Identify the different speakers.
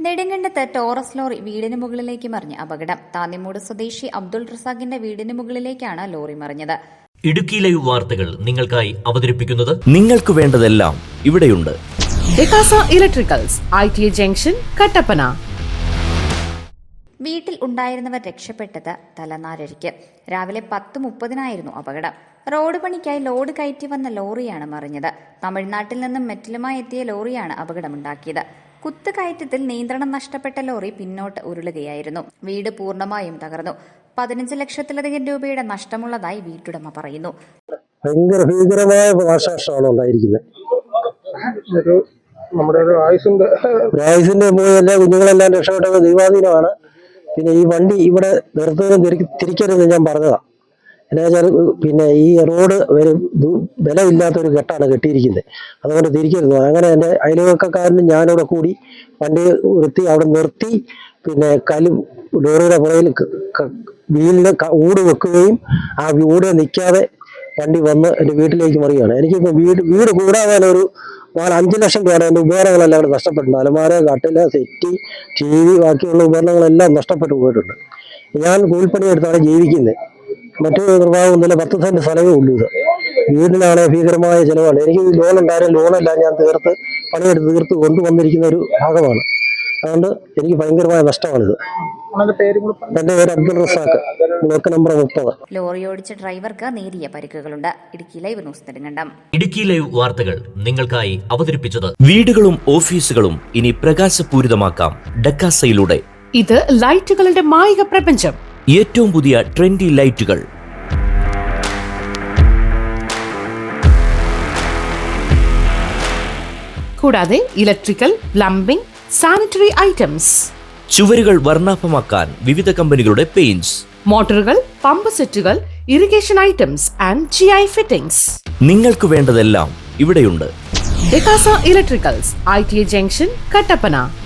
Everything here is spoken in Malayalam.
Speaker 1: നെടുങ്കണ്ടത്ത് ടോറസ് ലോറി വീടിന് മുകളിലേക്ക് മറിഞ്ഞ് അപകടം. താന്നിമൂട് സ്വദേശി അബ്ദുൾ റസാഖിന്റെ വീടിന് മുകളിലേക്കാണ് ലോറി മറിഞ്ഞത്.
Speaker 2: ഇടുക്കി ലൈവ് വാർത്തകൾ നിങ്ങൾക്കായി അവതരിപ്പിക്കുന്നത് നിങ്ങൾക്ക് വേണ്ടതെല്ലാം ഇവിടെയുണ്ട്.
Speaker 3: ഡെക്കാസ ഇലക്ട്രിക്കൽസ്, ITA ജംഗ്ഷൻ, കട്ടപ്പന.
Speaker 1: വീട്ടിൽ ഉണ്ടായിരുന്നവർ രക്ഷപ്പെട്ടത് തലനാരിഴയ്ക്ക്. രാവിലെ 10:30 അപകടം. റോഡ് പണിക്കായി ലോഡ് കയറ്റി വന്ന ലോറിയാണ് മറിഞ്ഞത്. തമിഴ്നാട്ടിൽ നിന്നും മെറ്റലുമായി എത്തിയ ലോറിയാണ് അപകടമുണ്ടാക്കിയത്. കുത്തുകയറ്റത്തിൽ നിയന്ത്രണം നഷ്ടപ്പെട്ട ലോറി പിന്നോട്ട് ഉരുളുകയായിരുന്നു. വീട് പൂർണ്ണമായും തകർന്നു. 15 ലക്ഷത്തിലധികം രൂപയുടെ നഷ്ടമുള്ളതായി വീട്ടുടമ പറയുന്നു.
Speaker 4: ഭയങ്കര ഭീകരമായ നാശനഷ്ടമാണ് ഉണ്ടായിരിക്കുന്നത്. ആയുസിന്റെ പോയി എല്ലാ കുഞ്ഞുങ്ങളെല്ലാം രക്ഷപ്പെട്ടത് ദൈവാധീനമാണ്. പിന്നെ ഈ വണ്ടി ഇവിടെ നിർത്തുന്നതും തിരിക്കരുത് ഞാൻ പറഞ്ഞതാ. എന്നാ വെച്ചാൽ പിന്നെ ഈ റോഡ് ബലമില്ലാത്തൊരു കെട്ടാണ് കെട്ടിയിരിക്കുന്നത്, അതുകൊണ്ട് തിരിക്കരുത്. അങ്ങനെ എൻ്റെ അയൽവക്കക്കാരനും ഞാനിവിടെ കൂടി വണ്ടി അവിടെ നിർത്തി, പിന്നെ ലോറിയുടെ പുറകിൽ വീലിന് ഊട് വെക്കുകയും ആ ഊട് നിൽക്കാതെ വണ്ടി വന്ന് എൻ്റെ വീട്ടിലേക്ക് മറിയുകയാണ്. എനിക്കിപ്പോൾ വീട് കൂടാതെ ഒരു 4-5 ലക്ഷം രൂപയാണ് എൻ്റെ ഉപകരണങ്ങളെല്ലാം അവിടെ നഷ്ടപ്പെട്ടിട്ടുണ്ട്. അലമാര, കട്ടില, സെറ്റി, TV, ബാക്കിയുള്ള ഉപകരണങ്ങളെല്ലാം നഷ്ടപ്പെട്ടു പോയിട്ടുണ്ട്. ഞാൻ കൂലിപ്പണി എടുത്താണ് ജീവിക്കുന്നത്. മറ്റു നിർവാഹമൊന്നുമില്ല. 10 സെന്റ് സ്ഥലമേ ഉള്ളൂ. ഇത് വീടിനാണ് ഭീകരമായ ചിലവാണ്. എനിക്ക് ലോൺ ഉണ്ടായാലും ലോണെല്ലാം ഞാൻ പണിയെടുത്ത് കൊണ്ടുവന്നിരിക്കുന്ന ഒരു ഭാഗമാണ്. അതുകൊണ്ട് എനിക്ക് ഭയങ്കരമായ നഷ്ടമാണിത്. എന്റെ പേര് Abdul Razak, block number 30.
Speaker 1: Lorry ഓടിച്ച ഡ്രൈവർക്ക് നേരിയ പരിക്കുകളുണ്ട്. Idukki live news Nedumkandam.
Speaker 2: Idukki live വാർത്തകൾ നിങ്ങൾക്കായി അവതരിപ്പിച്ചത് വീടുകളും ഓഫീസുകളും ഇനി പ്രകാശപൂരിതമാക്കാം ഡെക്കാസയിലൂടെ.
Speaker 3: ഇത് ലൈറ്റുകളുടെ മായിക പ്രപഞ്ചം.
Speaker 2: ഏറ്റവും പുതിയ ട്രെൻഡി ലൈറ്റുകൾ,
Speaker 3: കൂടാതെ ഇലക്ട്രിക്കൽ, പ്ലംബിംഗ്, സാനിറ്ററി ഐറ്റംസ്.
Speaker 2: ചുവരുകൾ വർണ്ണാഭമാക്കാൻ വിവിധ കമ്പനികളുടെ പെയിന്റ്സ്,
Speaker 3: മോട്ടോറുകൾ, പമ്പ് സെറ്റുകൾ, irrigation items and GI fittings.
Speaker 2: നിങ്ങൾക്ക് വേണ്ടതെല്ലാം ഇവിടെയുണ്ട്.
Speaker 3: ഡെക്കാസ ഇലക്ട്രിക്കൽസ്, ITA ജംഗ്ഷൻ, കട്ടപ്പന.